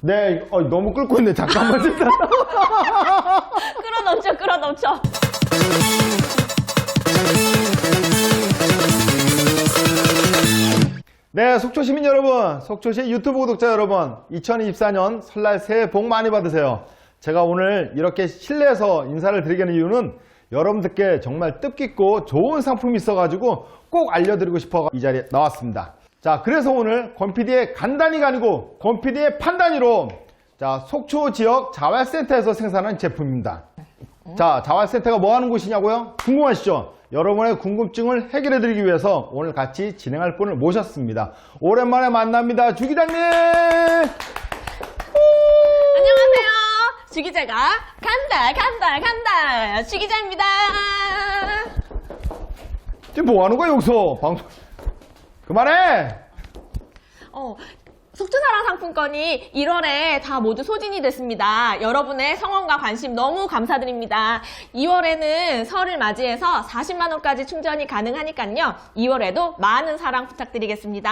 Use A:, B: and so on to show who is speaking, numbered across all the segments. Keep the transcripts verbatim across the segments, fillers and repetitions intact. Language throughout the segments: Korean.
A: 네, 어, 너무 끓고 있네. 잠깐만.
B: 끌어넘쳐, 끌어넘쳐.
A: 네, 속초 시민 여러분, 속초시 유튜브 구독자 여러분, 이천이십사 년 설날 새해 복 많이 받으세요. 제가 오늘 이렇게 실내에서 인사를 드리게 된 이유는 여러분들께 정말 뜻깊고 좋은 상품이 있어가지고 꼭 알려드리고 싶어 이 자리에 나왔습니다. 자, 그래서 오늘 권피디의 간단히가 아니고 권피디의 판단으로 자, 속초 지역 자활센터에서 생산한 제품입니다. 자, 자활센터가 뭐 하는 곳이냐고요? 궁금하시죠? 여러분의 궁금증을 해결해드리기 위해서 오늘 같이 진행할 분을 모셨습니다. 오랜만에 만납니다. 주 기자님!
B: 안녕하세요. 주 기자가 간다, 간다, 간다. 주 기자입니다.
A: 지금 뭐 하는 거야, 여기서? 방송. 그만해!
B: 어, 속초사랑 상품권이 일월에 다 모두 소진이 됐습니다. 여러분의 성원과 관심 너무 감사드립니다. 이월에는 설을 맞이해서 사십만 원까지 충전이 가능하니까요. 이월에도 많은 사랑 부탁드리겠습니다.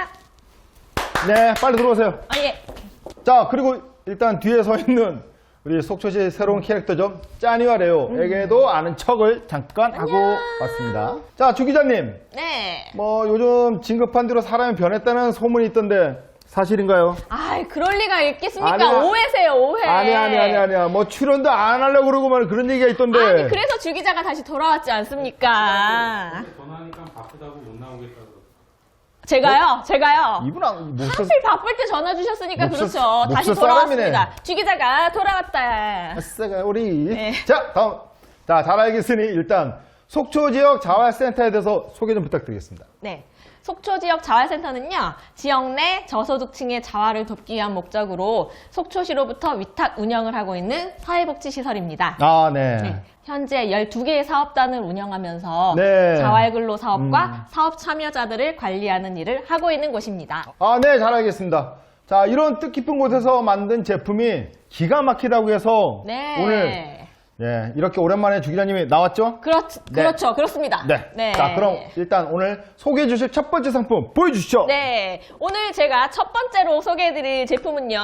A: 네, 빨리 들어오세요.
B: 아, 예.
A: 자, 그리고 일단 뒤에 서 있는 우리 속초시의 새로운 캐릭터죠. 짜니와 레오에게도 아는 척을 잠깐 하고 왔습니다. 자, 주 기자님.
B: 네.
A: 뭐 요즘 진급한 뒤로 사람이 변했다는 소문이 있던데 사실인가요?
B: 아이, 그럴 리가 있겠습니까?
A: 아니야.
B: 오해세요, 오해.
A: 아니 아니 아니 아니야. 뭐 출연도 안 하려고 그러고 말 그런 얘기가 있던데.
B: 아니, 그래서 주 기자가 다시 돌아왔지 않습니까?
C: 전화하니까 바쁘다고 못 나오겠다고.
B: 제가요? 제가요?
A: 이분 안 목소
B: 하필 바쁠 때 전화 주셨으니까
A: 목소-
B: 그렇죠. 다시
A: 목소
B: 돌아왔습니다.
A: 사람이네.
B: 주 기자가 돌아왔다.
A: 아싸가 우리.
B: 네.
A: 자, 다음. 자, 잘 알겠으니 일단 속초 지역 자활센터에 대해서 소개 좀 부탁드리겠습니다.
B: 네. 속초 지역 자활센터는요, 지역 내 저소득층의 자활을 돕기 위한 목적으로 속초시로부터 위탁 운영을 하고 있는 사회복지시설입니다.
A: 아, 네.
B: 네. 현재 열두 개의 사업단을 운영하면서
A: 네.
B: 자활근로 사업과
A: 음.
B: 사업 참여자들을 관리하는 일을 하고 있는 곳입니다.
A: 아, 네, 잘 알겠습니다. 자, 이런 뜻깊은 곳에서 만든 제품이 기가 막히다고 해서
B: 네.
A: 오늘 예, 이렇게 오랜만에 주 기자님이 나왔죠?
B: 그렇,
A: 네.
B: 그렇죠. 그렇습니다.
A: 네. 자, 그럼 일단 오늘 소개해 주실 첫 번째 상품 보여주시죠.
B: 네. 오늘 제가 첫 번째로 소개해드릴 제품은요.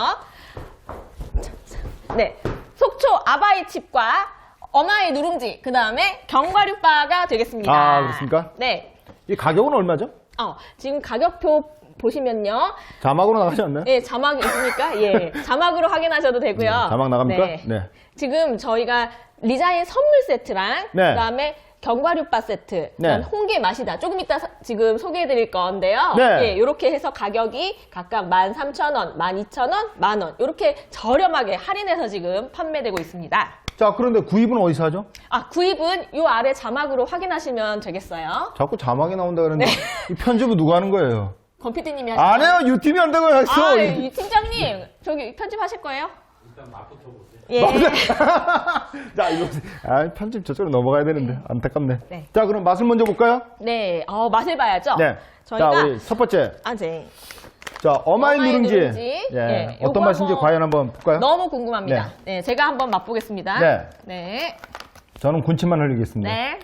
B: 네. 속초 아바이 칩과 어마이 누룽지, 그 다음에 견과류바가 되겠습니다.
A: 아, 그렇습니까?
B: 네.
A: 이 가격은 얼마죠?
B: 어, 지금 가격표 보시면요.
A: 자막으로 나가지 않나요?
B: 예, 자막이 있으니까, 예. 자막으로 확인하셔도 되고요.
A: 네, 자막 나갑니까?
B: 네.
A: 네.
B: 지금 저희가 리자인 선물 세트랑,
A: 네.
B: 그 다음에 견과류바 세트,
A: 네.
B: 그다음 홍게 마시다. 조금 이따 사- 지금 소개해드릴 건데요.
A: 네.
B: 예, 이렇게 해서 가격이 각각 만 삼천 원, 만 이천 원, 만 원. 이렇게 저렴하게 할인해서 지금 판매되고 있습니다.
A: 자, 그런데 구입은 어디서 하죠?
B: 아, 구입은 이 아래 자막으로 확인하시면 되겠어요.
A: 자꾸 자막이 나온다 그러는데
B: 네.
A: 이 편집은 누가 하는 거예요?
B: 권 피디님이 하시죠.
A: 안 해요. 유팀이 한다고 했어.
B: 아, 이 팀장님, 저기 편집하실 거예요?
C: 일단 맛부터 보세요.
B: 예.
A: 자, 이거 아, 편집 저쪽으로 넘어가야 되는데 안타깝네.
B: 네.
A: 자, 그럼 맛을 먼저 볼까요?
B: 네, 어, 맛을 봐야죠.
A: 네.
B: 저희가
A: 자, 우리 첫 번째.
B: 아, 네.
A: 자, 어마이,
B: 어마이
A: 누룽지.
B: 누룽지.
A: 예.
B: 예,
A: 어떤
B: 요거
A: 맛인지
B: 한번
A: 과연 한번 볼까요?
B: 너무 궁금합니다. 네. 제가 한번 맛보겠습니다.
A: 네.
B: 네.
A: 저는 군침만 흘리겠습니다.
B: 네.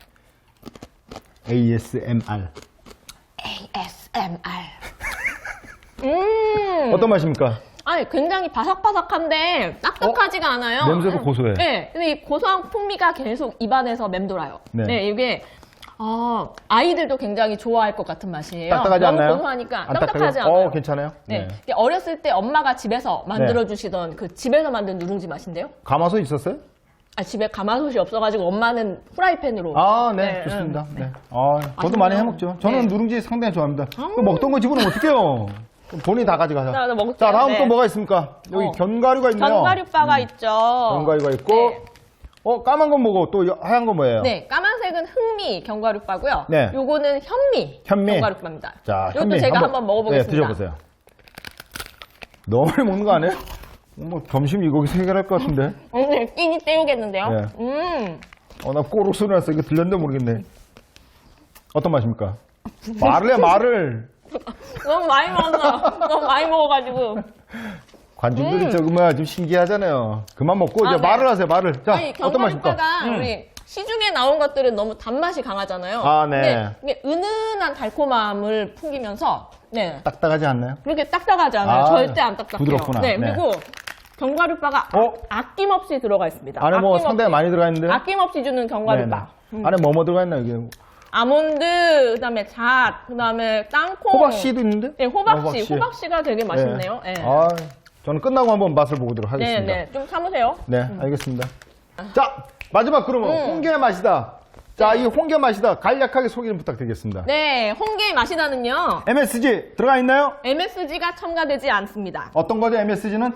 A: 에이에스엠알.
B: 에이에스엠알. 음.
A: 어떤 맛입니까?
B: 아니, 굉장히 바삭바삭한데 딱딱하지가 않아요.
A: 어? 냄새도 고소해.
B: 네. 근데 이 고소한 풍미가 계속 입안에서 맴돌아요.
A: 네.
B: 네. 이게 아, 아이들도 굉장히 좋아할 것 같은 맛이에요.
A: 딱딱하지
B: 너무
A: 않나요?
B: 고소하니까
A: 안
B: 딱딱하지
A: 딱딱해요?
B: 않아요.
A: 어, 괜찮아요?
B: 네. 이게 어렸을 때 엄마가 집에서 만들어주시던 그 집에서 만든 누룽지 맛인데요.
A: 가마솥 있었어요?
B: 아, 집에 가마솥이 없어가지고 엄마는 프라이팬으로.
A: 아, 네,
B: 네,
A: 좋습니다.
B: 음,
A: 네. 아, 저도
B: 맛있네요.
A: 많이 해먹죠. 저는
B: 네.
A: 누룽지 상당히 좋아합니다. 그 먹던 거 집으면 어떡해요? 그럼 본인이 다 가져가자.
B: 자, 나 먹을게요.
A: 자, 다음
B: 네.
A: 또 뭐가 있습니까? 여기
B: 어.
A: 견과류가 있네요.
B: 견과류바가 있죠.
A: 견과류가 있고,
B: 네.
A: 어, 까만 건 뭐고, 또 하얀 건 뭐예요?
B: 네, 까만색은 흑미 견과류바고요.
A: 네.
B: 요거는 현미,
A: 현미.
B: 견과류바입니다.
A: 자,
B: 이것도
A: 현미
B: 제가 한번, 먹어보겠습니다.
A: 네, 드셔보세요. 너무 많이 먹는 거 아니에요? 뭐, 점심 이 고기 세 개를 할 것 같은데.
B: 오늘 끼니 때우겠는데요.
A: 네.
B: 음,
A: 어, 나 꼬록 소리 났어. 이거 들렸는데 모르겠네. 어떤 맛입니까? 말을 해, 말을.
B: 너무 많이 먹었어. 너무 많이 먹어가지고.
A: 관중들이
B: 음.
A: 저거 뭐야, 좀 신기하잖아요. 그만 먹고,
B: 아,
A: 이제
B: 네.
A: 말을 하세요, 말을. 자,
B: 아니,
A: 어떤 맛입니까?
B: 견과류바가
A: 음.
B: 우리 시중에 나온 것들은 너무 단맛이 강하잖아요.
A: 아, 네.
B: 근데 이게 은은한 달콤함을 풍기면서 네.
A: 딱딱하지 않나요?
B: 그렇게 딱딱하지 않아요.
A: 아,
B: 절대 안 딱딱해요.
A: 부드럽구나.
B: 네,
A: 네.
B: 그리고 견과류바가
A: 어?
B: 아낌없이 들어가 있습니다.
A: 안에 뭐
B: 아낌없이.
A: 상당히 많이 들어가 있는데.
B: 아낌없이 주는 견과류바. 음.
A: 안에 뭐뭐 들어가 있나 이게?
B: 아몬드, 그다음에 잣, 그다음에 땅콩.
A: 호박씨도 있는데?
B: 네, 호박씨.
A: 호박씨.
B: 호박씨가 되게 맛있네요. 네.
A: 아, 저는 끝나고 한번 맛을 보도록
B: 네,
A: 하겠습니다.
B: 네. 좀 참으세요.
A: 네, 알겠습니다. 자, 마지막 그러면
B: 음.
A: 홍게 맛이다. 자, 이 홍게 맛이다. 간략하게 소개 좀 부탁드리겠습니다.
B: 네, 홍게 마시다는요.
A: 엠에스지 들어가 있나요?
B: 엠에스지가 첨가되지 않습니다.
A: 어떤 거죠? 엠에스지는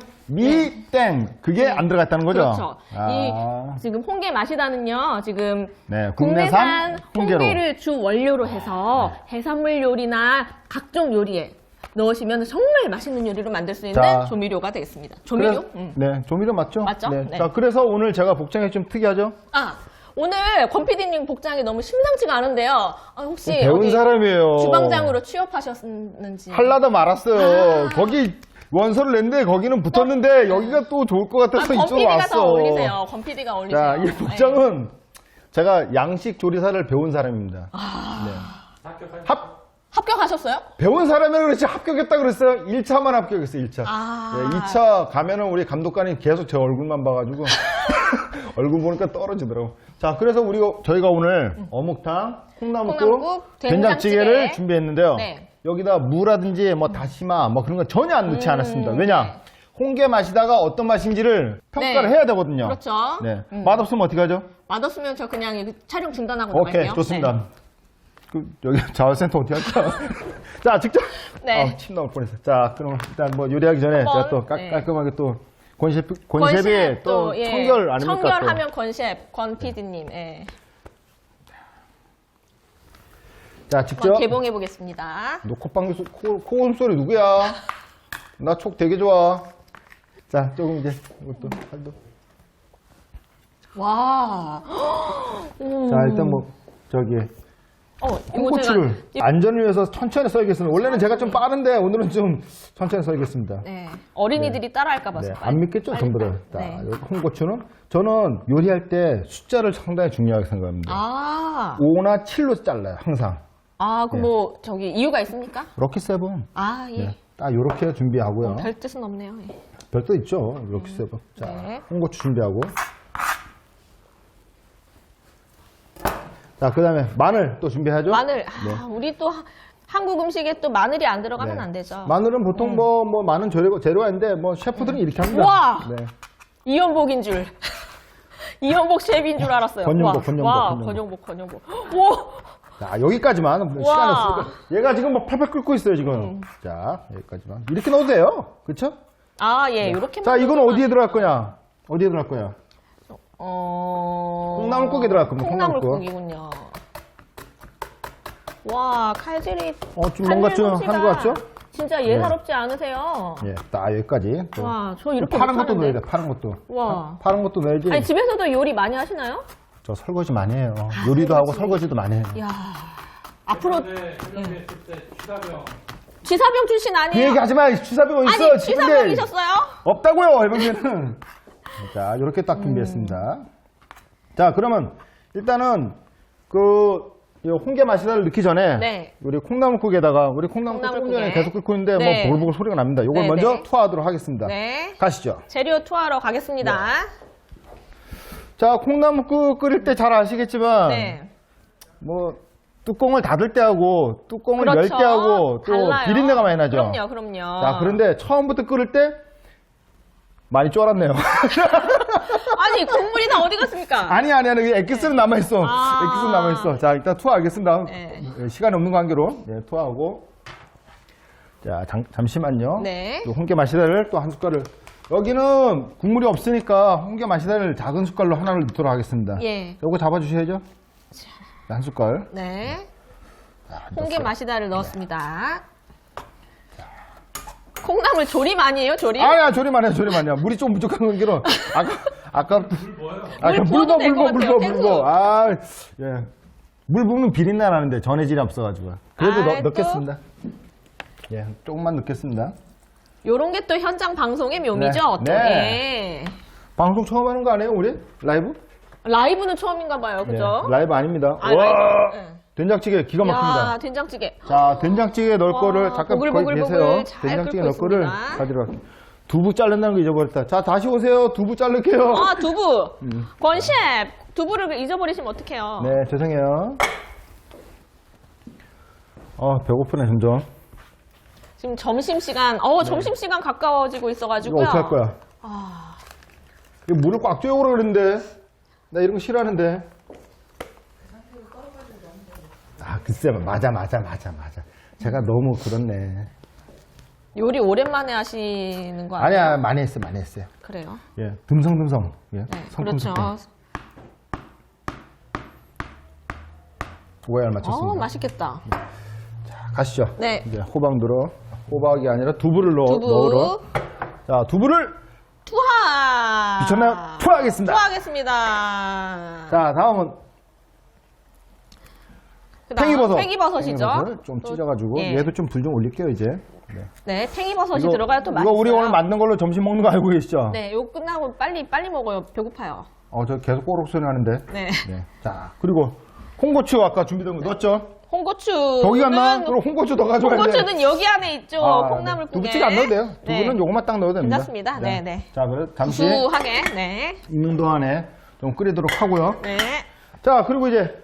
A: 미땡. 그게 안 들어가 있다는 거죠?
B: 그렇죠.
A: 아,
B: 이 지금 홍게 마시다는요. 지금
A: 네,
B: 국내산
A: 국내산 홍게로.
B: 홍게를 주 원료로 해서 해산물 요리나 각종 요리에 넣으시면 정말 맛있는 요리로 만들 수 있는
A: 자.
B: 조미료가 되겠습니다. 조미료?
A: 그래-
B: 음.
A: 네, 조미료 맞죠?
B: 맞죠?
A: 네.
B: 네.
A: 자, 그래서 오늘 제가 복장이 좀 특이하죠?
B: 아, 오늘 권 피디님 복장이 너무 심상치가 않은데요. 아, 혹시
A: 배운
B: 어디
A: 사람이에요.
B: 주방장으로 취업하셨는지.
A: 할라다 말았어요.
B: 아.
A: 거기 원서를 냈는데 거기는 붙었는데 여기가 또 좋을 것
B: 아,
A: 같아서
B: 권
A: 이쪽으로
B: 피디가
A: 왔어.
B: 더 어울리세요. 권 피디가 어울리세요.
A: 자, 이 복장은 제가 양식 조리사를 배운 사람입니다.
B: 아.
A: 네.
C: 합격하셨어요?
A: 합,
B: 합격하셨어요?
A: 배운 사람이라 그렇지 합격했다 그랬어요. 일 차만 합격했어요, 일 차.
B: 아.
A: 네, 이 차 가면은 우리 감독관이 계속 제 얼굴만 봐가지고 얼굴 보니까 떨어지더라고. 자, 그래서 우리 저희가 오늘 어묵탕, 콩나물국,
B: 콩나물국,
A: 된장찌개를
B: 된장찌개.
A: 준비했는데요.
B: 네.
A: 여기다 무라든지 뭐 다시마 뭐 그런 거 전혀 안 넣지
B: 음,
A: 않았습니다. 왜냐? 홍게 맛이다가 어떤 맛인지를 평가를
B: 네.
A: 해야 되거든요.
B: 그렇죠.
A: 네.
B: 음.
A: 맛없으면 어떻게 하죠?
B: 맛없으면 저 그냥 이거 촬영 중단하고
A: 오케이,
B: 나갈게요.
A: 좋습니다.
B: 네.
A: 그, 여기 자원센터 어떻게 할까? 자, 직접.
B: 네.
A: 아, 침 나올 뻔했어. 자, 그럼 일단 뭐 요리하기 전에
B: 한번,
A: 제가 또 깔,
B: 네.
A: 깔끔하게 또 권셰프, 권셰프의
B: 권셰프
A: 또
B: 예.
A: 청결 아닙니까?
B: 청결하면 권셰프, 권 피디님. 예.
A: 또. 자, 직접.
B: 한번 개봉해 보겠습니다.
A: 너 콧방귀, 소- 코, 코음 소리 누구야? 나 촉 되게 좋아. 자, 조금 이제 이것도 살도.
B: 와. 오.
A: 자, 일단 뭐 저기
B: 어, 이거
A: 홍고추를
B: 제가
A: 안전을 위해서 천천히 썰겠습니다. 원래는 제가 좀 빠른데 오늘은 좀 천천히 썰겠습니다.
B: 네. 어린이들이 따라할까 봐서.
A: 네,
B: 빨리,
A: 안 믿겠죠,
B: 빨리,
A: 전부 다.
B: 빨리.
A: 자,
B: 네.
A: 여기 홍고추는 저는 요리할 때 숫자를 상당히 중요하게 생각합니다.
B: 아.
A: 오나 칠로 잘라요, 항상.
B: 아, 그
A: 네.
B: 뭐 저기 이유가 있습니까?
A: 럭키 세븐.
B: 아, 예.
A: 네, 딱 이렇게 준비하고요.
B: 별 뜻은 없네요. 예.
A: 별도 있죠, 럭키 세븐. 자,
B: 네.
A: 홍고추 준비하고. 자, 그 다음에 마늘 또 준비하죠?
B: 마늘.
A: 네.
B: 아, 우리 또 하- 한국 음식에 또 마늘이 안 들어가면
A: 네.
B: 안 되죠.
A: 마늘은 보통 뭐, 뭐, 많은 재료, 재료가 있는데, 뭐, 셰프들은 이렇게 합니다.
B: 우와!
A: 네.
B: 이연복인 줄. 이연복 셰프인 줄 알았어요.
A: 권영복,
B: 와,
A: 권영복,
B: 와,
A: 권영복.
B: 권영복, 권영복. 오!
A: 자, 여기까지만. 시간이 없으니까. 얘가 지금 뭐 팔팔 끓고 있어요, 지금.
B: 음.
A: 자, 여기까지만. 이렇게 넣어도 돼요. 그쵸?
B: 아, 예, 요렇게.
A: 자, 이건 어디에 들어갈 거냐? 어디에 들어갈 거야?
B: 어.
A: 콩나물국에 들어갈 겁니다,
B: 콩나물국이군요. 와, 칼질이.
A: 어, 좀 뭔가 좀
B: 칼질
A: 한 것 같죠?
B: 진짜 예사롭지 않으세요.
A: 예, 딱 여기까지. 또.
B: 와, 저 이렇게
A: 파란 것도
B: 못하는데.
A: 넣어야 돼, 파란 것도.
B: 와.
A: 파, 란 것도 넣어야지.
B: 아니, 집에서도 요리 많이 하시나요?
A: 저 설거지 많이 해요. 요리도 하고 설거지도 많이 해요.
B: 이야. 앞으로
C: 해병대 해병대 있을 때 취사병
B: 취사병 출신
A: 그
B: 아니에요?
A: 얘기 하지 마! 취사병 있어!
B: 아니,
A: 지금
B: 취사병이셨어요?
A: 없다고요, 해병대는. 자, 이렇게 딱 준비했습니다. 자, 그러면 일단은 그 이 홍게 마시다를 넣기 전에
B: 네.
A: 우리 콩나물국에다가 우리 콩나물국 조금
B: 콩나물국에.
A: 전에 계속 끓고 있는데
B: 네.
A: 뭐 보글보글 소리가 납니다. 이걸
B: 네,
A: 먼저
B: 네.
A: 투하하도록 하겠습니다.
B: 네.
A: 가시죠.
B: 재료 투하러 가겠습니다.
A: 자, 콩나물국 끓일 때 잘 아시겠지만
B: 네.
A: 뭐 뚜껑을 닫을 때 하고 뚜껑을 열
B: 그렇죠.
A: 때 하고 또
B: 달라요.
A: 비린내가 많이 나죠.
B: 그럼요, 그럼요.
A: 자, 그런데 처음부터 끓일 때 많이 쫄았네요.
B: 아니, 국물이 다 어디 갔습니까?
A: 아니, 아니, 아니. 엑기스는 남아있어.
B: 아.
A: 엑기스는 남아있어. 자, 일단 투하하겠습니다.
B: 네.
A: 예, 시간이 없는 관계로. 네, 투하하고. 자, 잠, 잠시만요.
B: 네.
A: 또 홍게 마시다를 또 한 숟갈을. 여기는 국물이 없으니까 홍게 마시다를 작은 숟갈로 하나를 넣도록 하겠습니다.
B: 예.
A: 요거 잡아주셔야죠. 한 숟갈.
B: 네.
A: 자,
B: 홍게
A: 넣었어요.
B: 마시다를 넣었습니다. 콩나물 조림 아니에요, 조림?
A: 아니야, 조림 아니야, 조림 아니야. 물이 좀 부족한 관계로. 아까, 아까.
C: 물 뭐예요?
A: 아까
B: 물
A: 물
B: 부어도
A: 부어,
B: 될것
A: 물 부어, 물 부어,
B: 같아요,
A: 물 부어. 아, 예. 물 부으면 비린내 나는데 전해질이 없어가지고. 그래도
B: 아,
A: 넣,
B: 또?
A: 넣겠습니다. 예, 조금만 넣겠습니다.
B: 요런 게 또 현장 방송의 묘미죠,
A: 네.
B: 또.
A: 네.
B: 예.
A: 방송 처음 하는 거 아니에요, 우리? 라이브?
B: 라이브는 처음인가 봐요. 그죠?
A: 네, 라이브 아닙니다.
B: 아,
A: 와,
B: 라이브. 네.
A: 된장찌개 기가 막힙니다.
B: 야, 된장찌개.
A: 자, 된장찌개 넣을
B: 와,
A: 거를 잠깐 거기
B: 보글보글
A: 계세요.
B: 보글 잘
A: 된장찌개
B: 끓고
A: 넣을 거를
B: 있습니다.
A: 가지러 갈게요. 두부 자른다는 거 잊어버렸다. 자, 다시 오세요. 두부 자를게요.
B: 아, 두부.
A: 음.
B: 권 셰프, 두부를 잊어버리시면 어떡해요?
A: 네, 죄송해요. 어, 배고프네, 점점.
B: 지금 점심시간, 어, 점심시간 가까워지고
A: 이거
B: 있어가지고요.
A: 어떻게 할 거야?
B: 아,
A: 이거 물을 꽉 쬐오라 그랬는데. 나 이런 거 싫어하는데. 아, 글쎄, 맞아, 맞아, 맞아, 맞아. 제가 너무 그렇네.
B: 요리 오랜만에 하시는 거 아니에요?
A: 아니야, 많이 했어요, 많이 했어요.
B: 그래요?
A: 예, 듬성듬성. 예,
B: 네,
A: 성큼성큼.
B: 그렇죠.
A: 오해를 맞췄습니다.
B: 어, 맛있겠다.
A: 자, 가시죠.
B: 네.
A: 이제 호박 넣어. 호박이 아니라 두부를 넣어,
B: 두부.
A: 넣으러. 자, 두부를
B: 투하!
A: 미쳤나요? 투하하겠습니다.
B: 투하하겠습니다.
A: 자, 다음은
B: 그다음
A: 팽이버섯.
B: 팽이버섯이죠.
A: 팽이버섯을 좀
B: 또,
A: 찢어가지고
B: 예.
A: 얘도 좀 불 좀 올릴게요 이제. 네.
B: 네, 팽이버섯이 들어가야 또
A: 이거
B: 맛있어요.
A: 우리 오늘 만든 걸로 점심 먹는 거 알고 계시죠?
B: 네, 이거 끝나고 빨리 빨리 먹어요. 배고파요.
A: 어, 저 계속 꼬록 소리 나는데.
B: 네.
A: 네. 자, 그리고 홍고추 아까 준비된 거 넣었죠?
B: 홍고추.
A: 저기 갔나? 그럼 홍고추 더 가져가야 돼.
B: 홍고추는 여기 안에 있죠.
A: 아,
B: 콩나물국에.
A: 두부찌개 안 넣어도 돼요.
B: 네.
A: 두부는 요것만 딱 넣어도 됩니다.
B: 괜찮습니다. 네, 네.
A: 자, 그래 잠시
B: 구수하게. 네.
A: 익는 동안에 좀 끓이도록 하고요.
B: 네.
A: 자, 그리고 이제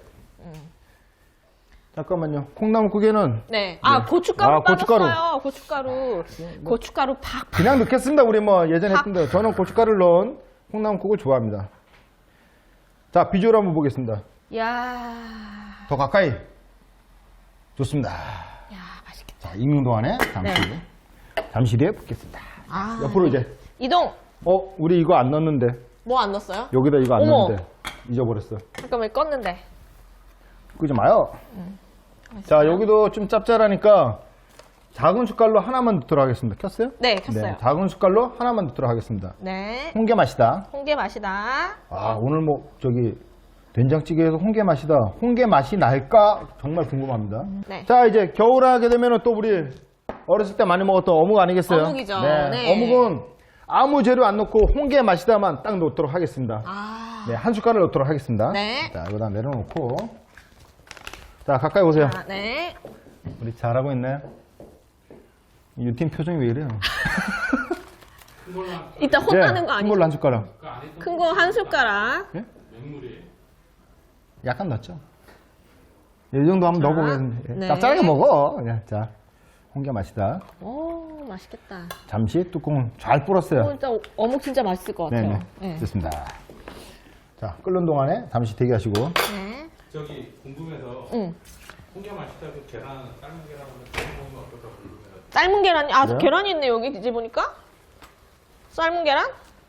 A: 잠깐만요. 콩나물국에는
B: 네. 아,
A: 네.
B: 고춧가루
A: 아, 고춧가루.
B: 빠졌어요. 고춧가루. 고춧가루 팍.
A: 그냥 넣겠습니다. 우리 뭐 예전에 했던 대로. 저는 고춧가루를 넣은 콩나물국을 좋아합니다. 자, 비주얼 한번 보겠습니다.
B: 야.
A: 더 가까이. 좋습니다.
B: 야, 맛있겠다.
A: 자, 익는 동안에 잠시,
B: 네.
A: 잠시 뒤에 붓겠습니다.
B: 아.
A: 옆으로 이제.
B: 이동.
A: 어, 우리 이거 안 넣었는데.
B: 뭐 안 넣었어요?
A: 여기다 이거 안
B: 어머.
A: 넣었는데. 잊어버렸어.
B: 잠깐만 껐는데.
A: 끄지 마요.
B: 음.
A: 자, 여기도 좀 짭짤하니까 작은 숟갈로 하나만 넣도록 하겠습니다. 켰어요?
B: 네, 켰어요.
A: 작은 숟갈로 하나만 넣도록 하겠습니다.
B: 네.
A: 홍게 맛이다.
B: 홍게 맛이다.
A: 아, 오늘 뭐 저기 된장찌개에서 홍게 맛이다. 홍게 맛이 날까 정말 궁금합니다.
B: 네.
A: 자, 이제 겨울 하게 되면 또 우리 어렸을 때 많이 먹었던 어묵 아니겠어요?
B: 어묵이죠.
A: 네.
B: 네.
A: 어묵은 아무 재료 안 넣고 홍게 맛이다만 딱 넣도록 하겠습니다.
B: 아.
A: 네, 한 숟갈을 넣도록 하겠습니다.
B: 네.
A: 자, 여기다 내려놓고. 자, 가까이 오세요.
B: 아, 네.
A: 우리 잘하고 있나요? 유팀 표정이 왜 이래요?
C: 큰 걸로 한
B: 이따 혼나는 거
A: 큰
B: 아니죠?
A: 걸로 한 숟가락.
C: 그 안에
B: 큰 거 한 숟가락.
A: 예?
C: 맹물이에요.
A: 약간 넣었죠? 이 정도 한번
B: 자,
A: 넣어보겠습니다.
B: 네.
A: 짭짤하게 먹어. 그냥. 자, 홍게 맛이다.
B: 오, 맛있겠다.
A: 잠시 뚜껑을 잘 불었어요.
B: 오, 진짜 어묵 진짜 맛있을 것 같아요.
A: 네네.
B: 네.
A: 됐습니다. 자, 끓는 동안에 잠시 대기하시고.
B: 네.
C: 저기 궁금해서
B: 응.
C: 홍게 맛있다고 계란 삶은 계란 한번 먹으면 어떨까 궁금해요.
B: 삶은 계란이, 아,
A: 그래요?
B: 계란이 있네, 여기 뒤집어 보니까. 삶은 계란?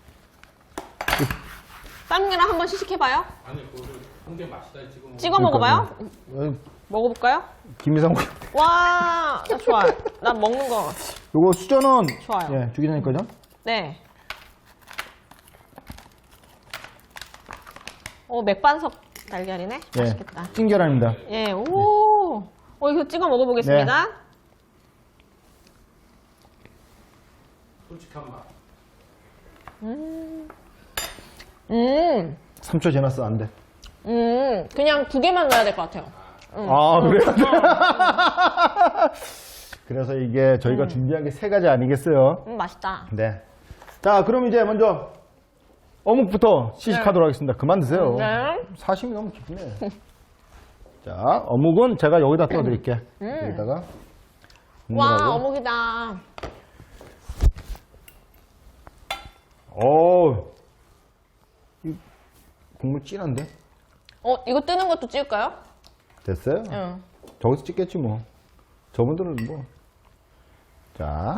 B: 삶은 계란 한번 시식해봐요.
C: 아니 그거를 홍게 맛있다 찍어 먹으면
B: 찍어 먹어봐요.
A: 어,
B: 먹어볼까요?
A: 김미성
B: 와, 나 좋아요. 난 먹는 거.
A: 요거 수저는
B: 좋아요.
A: 예, 주기 전에 거죠?
B: 네. 오, 맥반석 달걀이네.
A: 예.
B: 맛있겠다.
A: 찐계란입니다.
B: 예, 오. 어, 이거 찍어 먹어보겠습니다.
C: 솔직한 맛.
B: 음,
A: 삼 초 지났어, 안 돼.
B: 음, 그냥 두 개만 넣어야 될 것 같아요. 음.
A: 아, 그래요? 그래서 이게 저희가 준비한 게 세 가지 아니겠어요?
B: 음, 맛있다.
A: 네. 자, 그럼 이제 먼저 어묵부터 시식하도록 하겠습니다. 그만 드세요.
B: 네.
A: 사심이 너무 깊네. 자, 어묵은 제가 여기다 떠드릴게.
B: 음.
A: 여기다가.
B: 와,
A: 국물하고.
B: 어묵이다.
A: 오, 이 국물 진한데?
B: 어, 이거 뜨는 것도 찍을까요?
A: 됐어요?
B: 응.
A: 저기서 찍겠지 뭐. 저분들은 뭐. 자,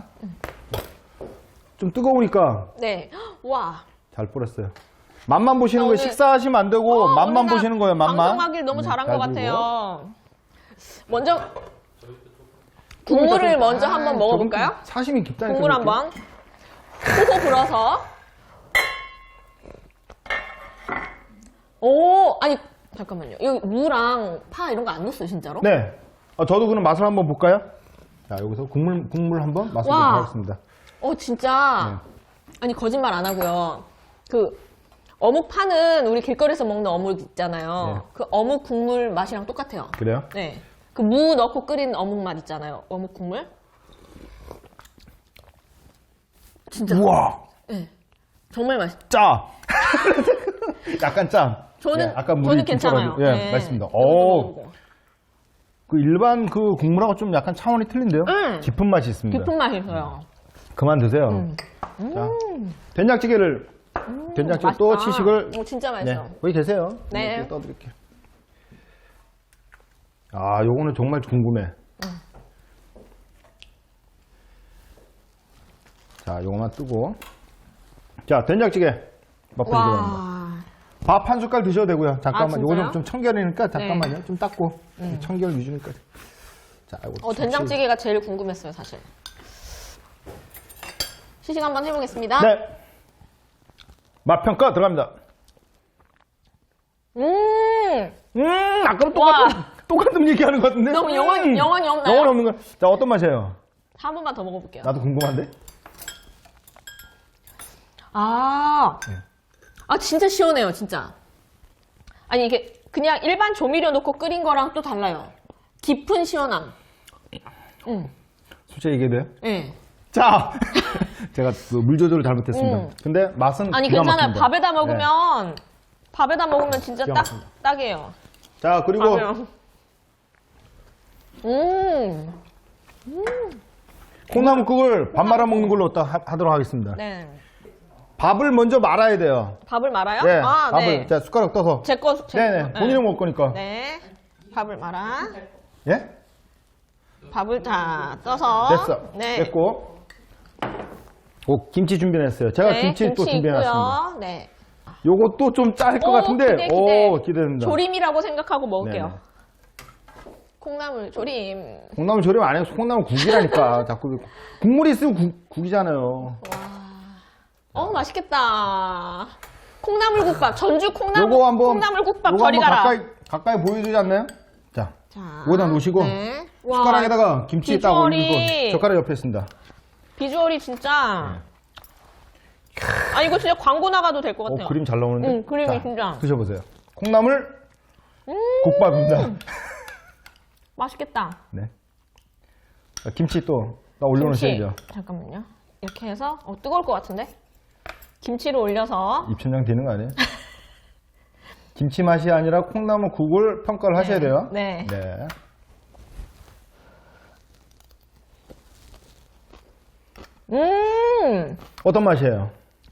A: 좀 뜨거우니까
B: 네. 와.
A: 잘 뿌렸어요. 맛만 보시는
B: 아,
A: 거예요.
B: 오늘-
A: 식사하시면 안 되고
B: 어,
A: 맛만
B: 오늘 나
A: 보시는 거예요. 맛만.
B: 방송하길 너무
A: 네,
B: 잘한
A: 잘
B: 것
A: 들고.
B: 같아요. 먼저 국물을 먼저
A: 아,
B: 한번 먹어볼까요?
A: 저분 사심이 깊다니까.
B: 국물
A: 이렇게.
B: 한번 호호 불어서. 오, 아니 잠깐만요. 여기 무랑 파 이런 거 안 넣었어요, 진짜로?
A: 네. 어, 저도 그럼 맛을 한번 볼까요? 자, 여기서 국물 국물 한번 맛을
B: 와.
A: 보도록 하겠습니다.
B: 어, 진짜.
A: 네.
B: 아니 거짓말 안 하고요. 그 어묵 파는 우리 길거리에서 먹는 어묵 있잖아요.
A: 네.
B: 그 어묵 국물 맛이랑 똑같아요.
A: 그래요?
B: 네. 그 무 넣고 끓인 어묵 맛 있잖아요. 어묵 국물. 진짜.
A: 우와!
B: 네. 정말 맛있.
A: 짜! 약간 짜.
B: 저는
A: 예, 아까 물이
B: 저는
A: 좀
B: 괜찮아요.
A: 썰어가지고. 예,
B: 네.
A: 맛있습니다.
B: 이것도
A: 오,
B: 먹어보고.
A: 그 일반 그 국물하고 좀 약간 차원이 틀린데요?
B: 음.
A: 깊은 맛이 있습니다.
B: 깊은 맛이 있어요.
A: 그만 드세요.
B: 음.
A: 자, 된장찌개를, 된장찌개 또
B: 맛있다.
A: 치식을.
B: 오, 진짜
A: 네,
B: 맛있어.
A: 거기 계세요.
B: 네.
A: 이렇게 떠드릴게요. 아, 요거는 정말 궁금해. 자, 요거만 뜨고. 자, 된장찌개. 맛보시기 바랍니다.
B: 와.
A: 밥 한 숟갈 드셔도 되고요. 잠깐만.
B: 아,
A: 요거
B: 진짜요?
A: 좀, 좀 청결이니까 잠깐만요.
B: 네.
A: 좀 닦고. 청결 유지니까. 자, 이거
B: 어, 된장찌개가 제일 궁금했어요, 사실. 시식 한번 해보겠습니다.
A: 네. 맛 평가 들어갑니다.
B: 음,
A: 음, 아까랑 똑같은, 똑같은 얘기하는 것 같은데?
B: 너무 영혼-
A: 음,
B: 영혼이 없나요?
A: 영혼 없는 거. 자, 어떤 맛이에요?
B: 한 번만 더 먹어볼게요.
A: 나도 궁금한데?
B: 아,
A: 네.
B: 아, 진짜 시원해요, 진짜. 아니, 이게 그냥 일반 조미료 넣고 끓인 거랑 또 달라요. 깊은 시원함. 음,
A: 솔직히 얘기해도 돼요?
B: 예.
A: 자! 제가 그 물 조절을 잘못했습니다.
B: 음.
A: 근데 맛은
B: 아니,
A: 기가
B: 괜찮아요.
A: 막힙니다.
B: 밥에다
A: 네.
B: 먹으면, 밥에다 먹으면 진짜
A: 기가
B: 딱,
A: 막힙니다.
B: 딱이에요.
A: 자, 그리고
B: 밥이랑. 음,
A: 콩나물국을 밥 말아 먹는 걸로 딱 하- 하도록 하겠습니다.
B: 네.
A: 밥을 먼저 말아야 돼요.
B: 밥을 말아요?
A: 네,
B: 아,
A: 밥을.
B: 네.
A: 자, 숟가락 떠서.
B: 제 거, 제
A: 네네,
B: 거.
A: 본인이 먹을 거니까.
B: 네. 밥을 말아.
A: 예?
B: 밥을 다 떠서.
A: 됐어.
B: 네.
A: 됐고. 오, 김치 준비했어요. 제가
B: 네,
A: 김치, 또 준비해놨습니다.
B: 있고요. 네.
A: 요것도 좀 짤 것
B: 오,
A: 같은데,
B: 기대, 기대.
A: 오, 기대됩니다.
B: 조림이라고 생각하고 먹을게요.
A: 네네.
B: 콩나물 조림.
A: 콩나물 조림 안 해요. 콩나물 국이라니까. 자꾸. 국물이 있으면 국, 국이잖아요.
B: 어, 맛있겠다. 콩나물국밥. 전주 콩나물,
A: 요거 한번,
B: 콩나물국밥
A: 요거
B: 저리
A: 한번
B: 가라.
A: 가까이, 가까이 보여주지 않나요? 자,
B: 자,
A: 여기다 놓으시고,
B: 네. 와,
A: 숟가락에다가 김치 딱
B: 비주얼이-
A: 올리고, 젓가락 옆에 있습니다.
B: 비주얼이 진짜. 아, 이거 진짜 광고 나가도 될 것 같아요.
A: 어, 그림 잘 나오는데?
B: 응, 그림이
A: 자,
B: 진짜. 음.
A: 드셔보세요. 콩나물 국밥입니다.
B: 맛있겠다.
A: 네. 자, 김치 또, 나 올려놓으셔야죠.
B: 김치. 잠깐만요. 이렇게 해서, 어, 뜨거울 것 같은데? 김치를 올려서.
A: 입천장 되는 거 아니에요? 김치 맛이 아니라 콩나물 국을 평가를 하셔야 돼요.
B: 네.
A: 네.
B: 음,
A: 어떤 맛이에요?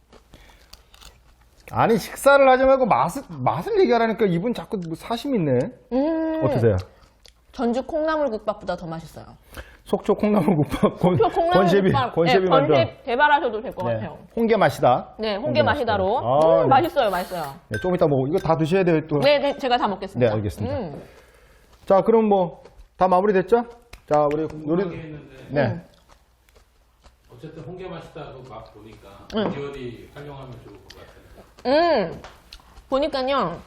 A: 아니, 식사를 하지 말고 맛을, 맛을 얘기하라니까 이분 자꾸 뭐 사심 있네.
B: 음.
A: 어떠세요?
B: 전주 콩나물국밥보다 더 맛있어요.
A: 속초 콩나물국밥 권,
B: 표
A: 권셰비,
B: 콩나물국밥.
A: 권셰비
B: 네,
A: 만들어.
B: 권셰 개발하셔도 될 것
A: 네.
B: 같아요.
A: 홍게 맛이다.
B: 네, 홍게 맛이다로.
A: 아,
B: 음,
A: 네.
B: 맛있어요, 맛있어요.
A: 네, 좀 이따 먹고. 이거 다 드셔야 돼요, 또.
B: 네, 네, 제가 다 먹겠습니다.
A: 네, 알겠습니다.
B: 음.
A: 자, 그럼 뭐, 다 마무리 됐죠? 자, 우리
C: 궁금한 게
A: 요리.
C: 있는데
A: 네.
C: 어쨌든 홍게 맛있다고 막 보니까
B: 응.
C: 비주얼이 활용하면 좋을 것 같아요.
B: 음, 보니까요,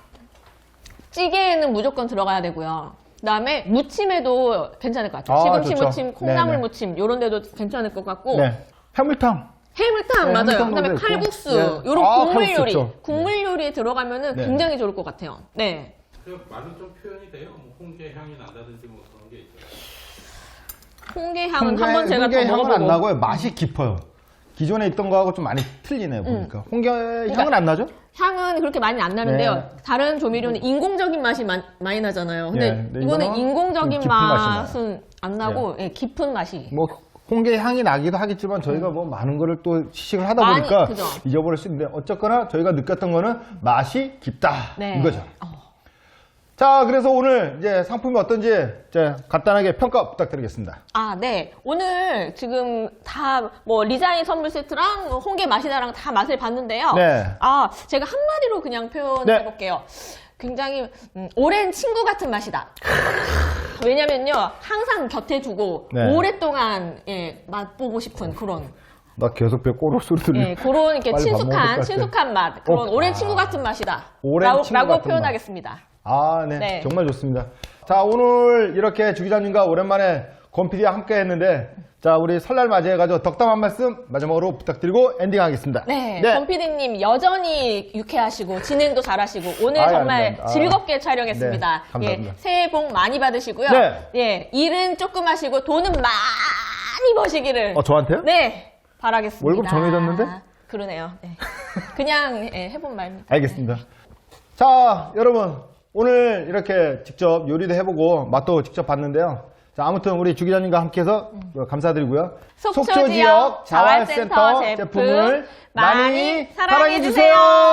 B: 찌개에는 무조건 들어가야 되고요. 그 다음에 무침에도 괜찮을 것 같아요.
A: 아,
B: 시금치
A: 좋죠.
B: 무침, 콩나물
A: 네네.
B: 무침, 요런 데도 괜찮을 것 같고.
A: 네. 해물탕.
B: 해물탕,
A: 네,
B: 맞아요.
A: 해물탕
B: 그 다음에
A: 넣어도
B: 칼국수,
A: 있고. 네.
B: 요런
A: 아,
B: 국물
A: 칼국수
B: 요리.
A: 좋죠.
B: 국물 요리에 들어가면은
A: 네.
B: 굉장히 좋을 것 같아요. 네.
C: 그 말이 좀 표현이 돼요. 뭐 홍게 향이 난다든지 뭐 그런 게 있어요.
B: 홍게 향은
A: 홍게,
B: 한번 제가
A: 홍게
B: 더
A: 향은
B: 먹어보고.
A: 안 나고요. 맛이 깊어요. 기존에 있던 거하고 좀 많이 틀리네요, 보니까. 홍게 향은 안 나죠?
B: 향은 그렇게 많이 안 나는데요.
A: 네.
B: 다른 조미료는 인공적인 맛이 마- 많이 나잖아요. 근데
A: 네, 근데
B: 이거는
A: 이거는
B: 인공적인
A: 깊은 맛이 나요.
B: 맛은 안 나고 예, 깊은 맛이.
A: 뭐 홍게 향이 나기도 하겠지만 저희가 뭐 많은 거를 또 시식을 하다
B: 많이,
A: 보니까
B: 그죠.
A: 잊어버릴 수 있는데 어쨌거나 저희가 느꼈던 거는 맛이 깊다
B: 네.
A: 이거죠.
B: 어.
A: 자, 그래서 오늘 이제 상품이 어떤지 이제 간단하게 평가 부탁드리겠습니다.
B: 아, 네. 오늘 지금 다 뭐 리자인 선물 세트랑 뭐 홍게 맛이다랑 다 맛을 봤는데요.
A: 네.
B: 아, 제가 한마디로 그냥 표현해
A: 네.
B: 볼게요. 굉장히 음, 오랜 친구 같은 맛이다. 왜냐면요, 항상 곁에 두고
A: 네.
B: 오랫동안 예, 맛보고 싶은 그런
A: 나 계속 배 꼬르 소리 들리.
B: 예, 그런 이렇게
A: 빨리 밥 먹을 것
B: 친숙한
A: 같아.
B: 친숙한 맛, 그런
A: 어,
B: 오랜
A: 아.
B: 친구 같은 맛이다.
A: 오랜
B: 라고,
A: 친구
B: 라고
A: 같은
B: 표현하겠습니다.
A: 아, 네.
B: 네.
A: 정말 좋습니다. 자, 오늘 이렇게 주 기자님과 오랜만에 권피디와 함께 했는데, 자, 우리 설날 맞이해가지고 덕담 한 말씀 마지막으로 부탁드리고 엔딩하겠습니다.
B: 네,
A: 네.
B: 권 피디님 여전히 유쾌하시고 진행도 잘하시고 오늘
A: 아이,
B: 정말
A: 아닙니다. 아.
B: 즐겁게 촬영했습니다.
A: 네, 감사합니다.
B: 예, 새해 복 많이 받으시고요.
A: 네.
B: 예, 일은 조금 하시고 돈은 많이 버시기를.
A: 어, 저한테요?
B: 네, 바라겠습니다.
A: 월급 정해졌는데?
B: 그러네요. 네. 그냥 예, 해본 말입니다.
A: 알겠습니다. 자, 여러분. 오늘 이렇게 직접 요리도 해보고 맛도 직접 봤는데요. 자, 아무튼 우리 주 기자님과 함께해서 감사드리고요.
B: 속초 지역 자활센터 제품을 많이 사랑해주세요.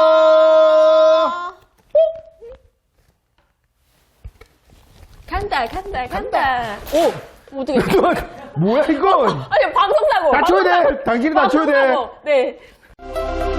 B: 간다, 간다, 간다.
A: 오!
B: 어떻게?
A: 뭐야, 이건?
B: 아니, 방송사고.
A: 낮춰야 돼.
B: 방송사고.
A: 당신이 낮춰야 돼.
B: 방송사고. 네.